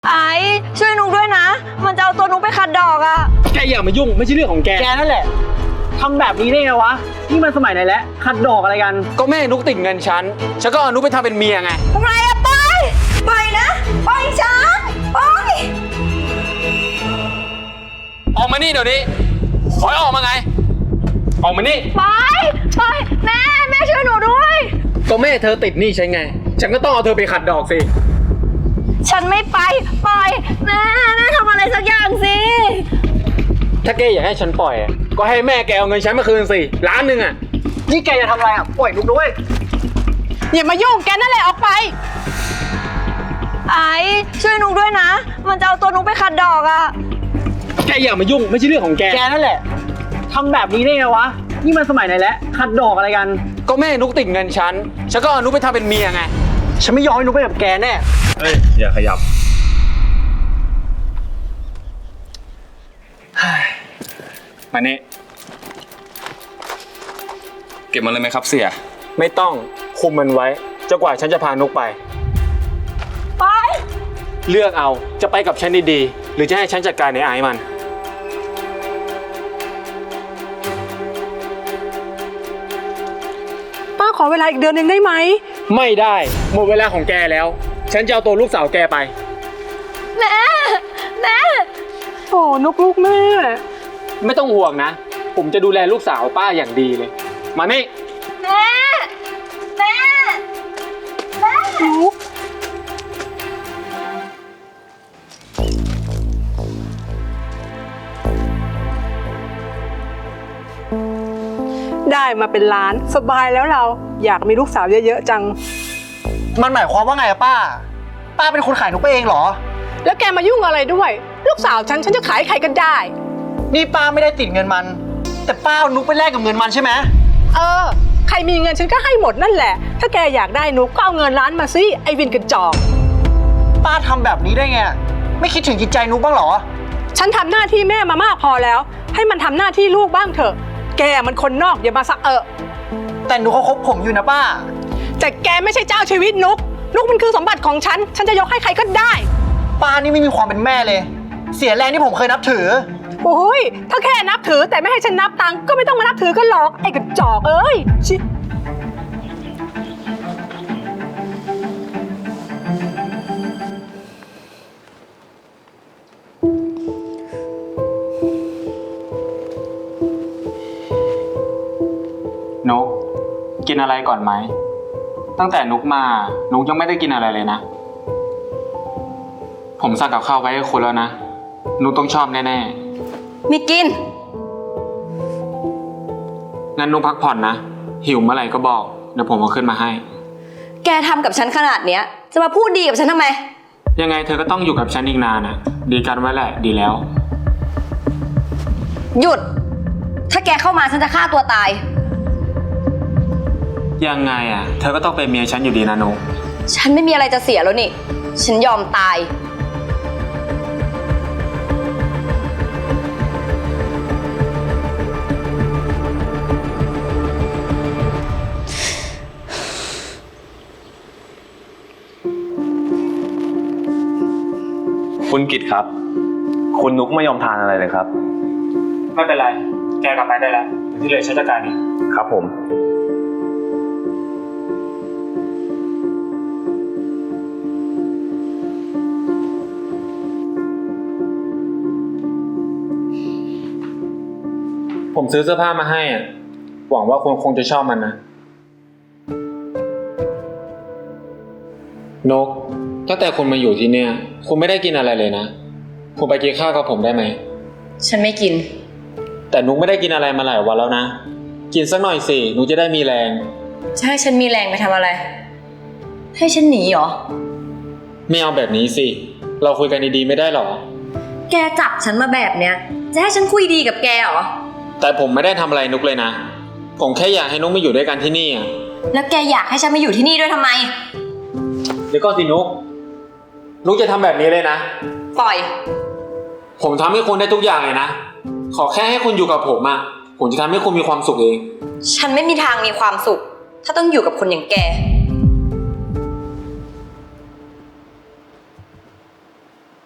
ไอ้ช่วยนุกด้วยนะมันจะเอาตัวนุกไปขัดดอกอะแกอย่ามายุ่งไม่ใช่เรื่องของแกนั่นแหละทำแบบนี้ได้ไงวะนี่มันสมัยไหนแล้วขัดดอกอะไรกันก็แม่นุกติดเงินฉันก็เอานุกไปทำเป็นเมียไงทำไรอะไปนะไปฉันไปออกมานี่เดี๋ยวนี้ขอให้ออกมาไงออกมานี่ไปแม่ช่วยหนูด้วยก็แม่เธอติดหนี้ฉันไงฉันก็ต้องเอาเธอไปขัดดอกสิฉันไม่ไปแม่ทำอะไรสักอย่างสิถ้าแกอยากให้ฉันปล่อยก็ให้แม่แกเอาเงินฉันมาคืนสิ1,000,000อ่ะนี่แกจะทำอะไรอ่ะปล่อยนุกด้วยอย่ามายุ่งแกนั่นแหละออกไปไอ้ช่วยนุกด้วยนะมันจะเอาตัวนุกไปขัดดอกอะแกอย่ามายุ่งไม่ใช่เรื่องของแกนั่นแหละทำแบบนี้ได้ไงวะนี่มันสมัยไหนแล้วขัดดอกอะไรกันก็แม่นุกติดเงินฉันก็เอานุกไปทำเป็นเมียไงฉันไม่ยอมให้นุกไปกับแกแน่เฮ้ยอย่าขยับมานี่เก็บมันเลยไหมครับเสี่ยไม่ต้องคุมมันไว้จนกว่าฉันจะพานุกไปเลือกเอาจะไปกับฉันดีๆหรือจะให้ฉันจัดการในไอ้มันป้าขอเวลาอีกเดือนหนึ่งได้ไหมไม่ได้หมดเวลาของแกแล้วฉันจะเอาตัวลูกสาวแกไปแม่โอ้นกลูกแม่ไม่ต้องห่วงนะผมจะดูแลลูกสาวป้าอย่างดีเลยมานี่แม่นุกได้มาเป็นล้านสบายแล้วเราอยากมีลูกสาวเยอะๆจังมันหมายความว่าไงอะป้าเป็นคนขายนุกไปเองเหรอแล้วแกมายุ่งอะไรด้วยลูกสาวฉันจะขายใครก็ได้นี่ป้าไม่ได้ติดเงินมันแต่ป้าเอานุกไปแลกกับเงินมันใช่ไหมใครมีเงินฉันก็ให้หมดนั่นแหละถ้าแกอยากได้นุกก็เอาเงินล้านมาสิไอวินกระจอกป้าทำแบบนี้ได้ไงไม่คิดถึงจิตใจนุกบ้างเหรอฉันทำหน้าที่แม่มามากพอแล้วให้มันทำหน้าที่ลูกบ้างเถอะแกมันคนนอกอย่ามาแต่นุกเขาคบผมอยู่นะป้าแต่แกไม่ใช่เจ้าชีวิตนุกมันคือสมบัติของฉันจะยกให้ใครก็ได้ป้านี่ไม่มีความเป็นแม่เลยเสียแรงที่ผมเคยนับถือโอ้ยถ้าแค่นับถือแต่ไม่ให้ฉันนับตังก็ไม่ต้องมานับถือกันหรอกไอ้กระจอกเอ้ยชินุกกินอะไรก่อนไหมตั้งแต่นุกมานุกยังไม่ได้กินอะไรเลยนะผมสั่งกับข้าวไว้ให้คุณแล้วนะนุกต้องชอบแน่ๆไม่กินงั้นนุกพักผ่อนนะหิวเมื่อไหร่ก็บอกเดี๋ยวผมเอาขึ้นมาให้แกทำกับฉันขนาดเนี้ยจะมาพูดดีกับฉันทำไมยังไงเธอก็ต้องอยู่กับฉันอีกนานนะดีกันไว้แหละดีแล้วหยุดถ้าแกเข้ามาฉันจะฆ่าตัวตายยังไงเธอก็ต้องเป็นเมียฉันอยู่ดีนะนุกฉันไม่มีอะไรจะเสียแล้วนี่ฉันยอมตายคุณกิตครับคุณนุกไม่ยอมทานอะไรเลยครับไม่เป็นไรแกกลับไปได้แล้วที่เหลือฉันจัดการเองครับผมซื้อเสื้อผ้ามาให้หวังว่าคุณคงจะชอบมันนะนกตั้งแต่คุณมาอยู่ที่เนี่ยคุณไม่ได้กินอะไรเลยนะคุณไปกินข้าวกับผมได้ไหมฉันไม่กินแต่นุกไม่ได้กินอะไรมาหลายวันแล้วนะกินสักหน่อยสินุกจะได้มีแรงจะให้ฉันมีแรงไปทำอะไรให้ฉันหนีเหรอไม่เอาแบบนี้สิเราคุยกันดีๆไม่ได้หรอแกจับฉันมาแบบเนี้ยจะให้ฉันคุยดีกับแกเหรอแต่ผมไม่ได้ทำอะไรนุกเลยนะผมแค่อยากให้นุกมาอยู่ด้วยกันที่นี่แล้วแกอยากให้ฉันมาอยู่ที่นี่ด้วยทำไมเดี๋ยวก่อนสินุกจะทำแบบนี้เลยนะปล่อยผมทำให้คุณได้ทุกอย่างเลยนะขอแค่ให้คุณอยู่กับผมจะทำให้คุณมีความสุขเองฉันไม่มีทางมีความสุขถ้าต้องอยู่กับคนอย่างแกน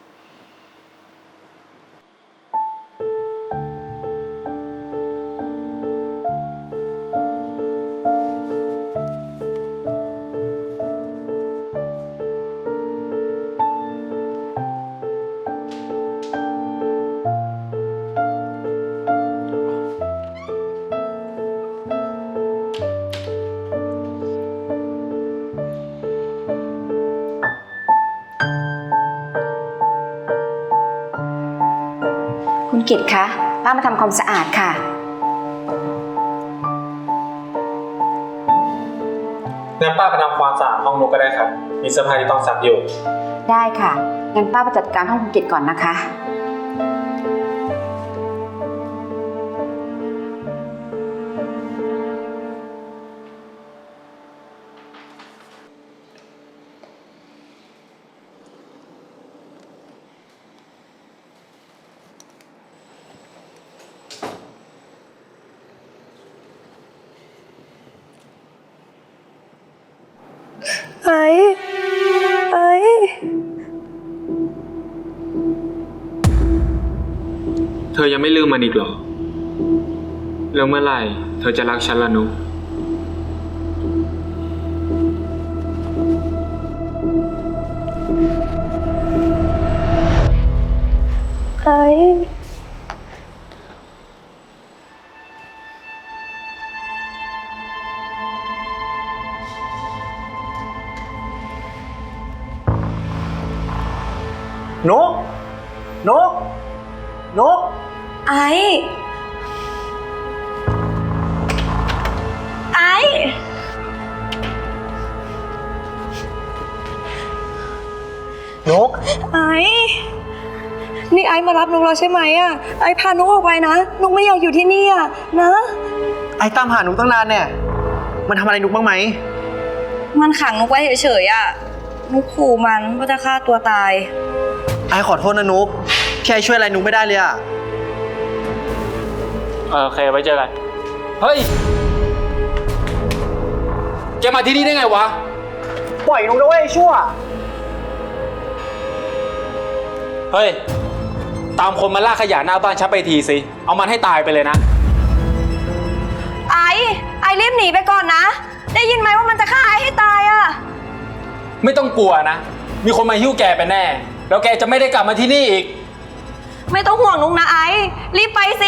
คุณกิตคะป้ามาทำความสะอาดค่ะงั้นป้าไปทำความสะอาดห้องนุกก็ได้ครับ มีเสื้อผ้าที่ต้องซักอยู่ได้ค่ะงั้นป้าไปจัดการห้องคุณกิตก่อนนะคะไอ้เธอยังไม่ลืมมันอีกเหรอ แล้วเมื่อไหร่เธอจะรักฉันล่ะนุกไอ้นุกนุกนุกไอ้ไอ้นุกไอ้นี่ไอ้มารับนุกแล้วใช่ไหมอะไอ้พานุกออกไปนะนุกไม่อยากอยู่ที่นี่อะนะไอ้ตามหานุกตั้งนานเนี่ย มันทำอะไรนุกบ้างไหมมันขังนุกไว้เฉยๆอะนุกขู่มันว่าจะฆ่าตัวตายไอ้ขอโทษนะนุกที่ไอ้ช่วยอะไรนุกไม่ได้เลยอะโอเค ไว้เจอกัน เฮ้ย แกมาที่นี่ได้ไงวะปล่อยนุกด้วยไอ้ชั่วเฮ้ย ตามคนมาลากขยะหน้าบ้านฉันไปทีสิ เอามันให้ตายไปเลยนะไอ้รีบหนีไปก่อนนะ ได้ยินไหมว่ามันจะฆ่าไอ้ให้ตายอะไม่ต้องกลัวนะ มีคนมาหิ้วแกไปแน่ แล้วแกจะไม่ได้กลับมาที่นี่อีกไม่ต้องห่วงนุกนะไอ้รีบไปสิ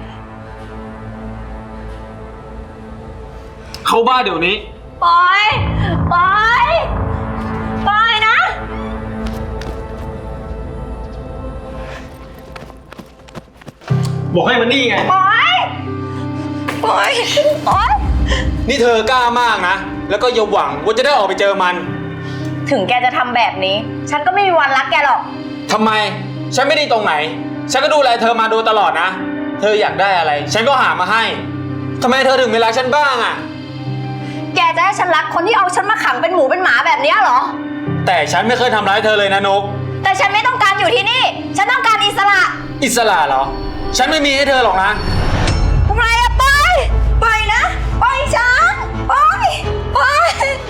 เข้าบ้านเดี๋ยวนี้ปล่อยปล่อยปล่อยนะบอกให้มันนี่ไงปล่อยปล่อยปล่อยนี่เธอกล้ามากนะ แล้วก็อย่าหวังว่าจะได้ออกไปเจอมันถึงแกจะทำแบบนี้ ฉันก็ไม่มีวันรักแกหรอกทำไม ฉันไม่ดีตรงไหน ฉันก็ดูแลเธอมาโดยตลอดนะ เธออยากได้อะไร ฉันก็หามาให้ ทำไมเธอถึงไม่รักฉันบ้างอ่ะแกจะให้ฉันรักคนที่เอาฉันมาขังเป็นหมูเป็นหมาแบบนี้เหรอแต่ฉันไม่เคยทำร้ายเธอเลยนะนกแต่ฉันไม่ต้องการอยู่ที่นี่ ฉันต้องการอิสระอิสระเหรอ ฉันไม่มีให้เธอหรอกนะทำไมอะปล่อยปล่อยนะปล่อยฉันปล่อยปล่อย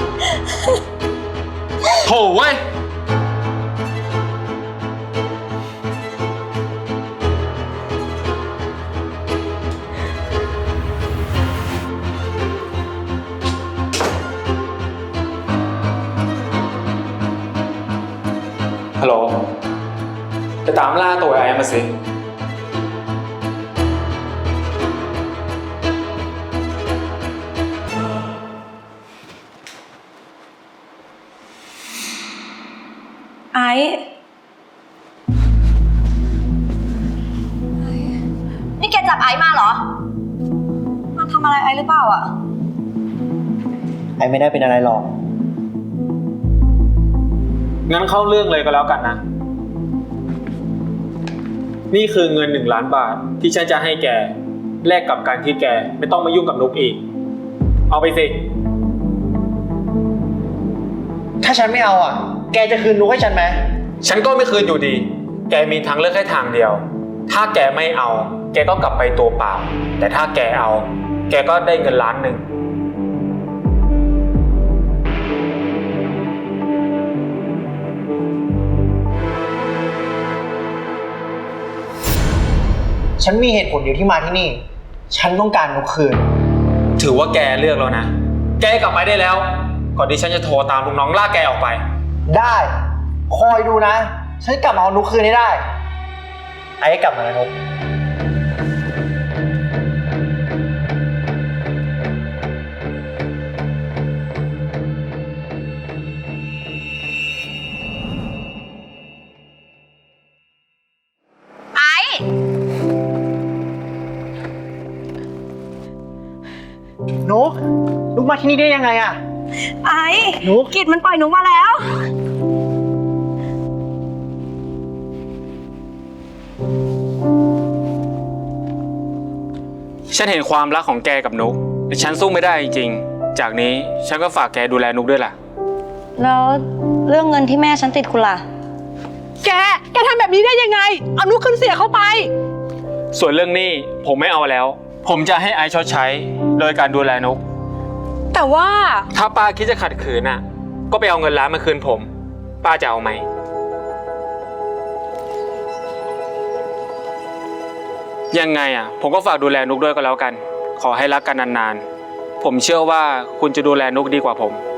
โถเว้ย ฮัลโหล ไปตามล่าตัวไอ้มาสิไอ้นี่แกจับไอ้มาเหรอมันทำอะไรไอ้หรือเปล่าอะไอ้ไม่ได้เป็นอะไรหรอกงั้นเข้าเรื่องเลยก็แล้วกันนะ นี่คือเงิน1 ล้านบาทที่ฉันจะให้แก แลกกับการที่แกไม่ต้องมายุ่งกับนุกอีก เอาไปสิถ้าฉันไม่เอาอ่ะ แกจะคืนนุกให้ฉันไหมฉันก็ไม่คืนอยู่ดี แกมีทางเลือกแค่ทางเดียว ถ้าแกไม่เอา แกก็กลับไปตัวเปล่า แต่ถ้าแกเอา แกก็ได้เงิน1 ล้านฉันมีเหตุผลเดียวที่มาที่นี่ ฉันต้องการนุกคืนถือว่าแกเลือกแล้วนะ แกกลับไปได้แล้ว ก่อนที่ฉันจะโทรตามลูกน้องลากแกออกไปได้ คอยดูนะ ฉันกลับมาเอานุกคืนให้ได้ ไอ้กลับมาแล้วนุกไอ้มาที่นี่ได้ยังไงอะไอ้นุกกิจมันปล่อยนุกมาแล้วฉันเห็นความรักของแกกับนุกแต่ฉันสู้ไม่ได้จริงๆ จากนี้ฉันก็ฝากแกดูแลนุกด้วยล่ะแล้วเรื่องเงินที่แม่ฉันติดคุณล่ะแกทำแบบนี้ได้ยังไง เอานุกขึ้นเสียเข้าไปส่วนเรื่องหนี้ผมไม่เอาแล้ว ผมจะให้ไอซ์ชดใช้โดยการดูแลนุกแต่ว่าถ้าป้าคิดจะขัดขืนน่ะ ก็ไปเอาเงินล้านมาคืนผม ป้าจะเอาไหม ยังไงอ่ะ ผมก็ฝากดูแลนุกด้วยก็แล้วกัน ขอให้รักกันนานๆ ผมเชื่อว่าคุณจะดูแลนุกดีกว่าผม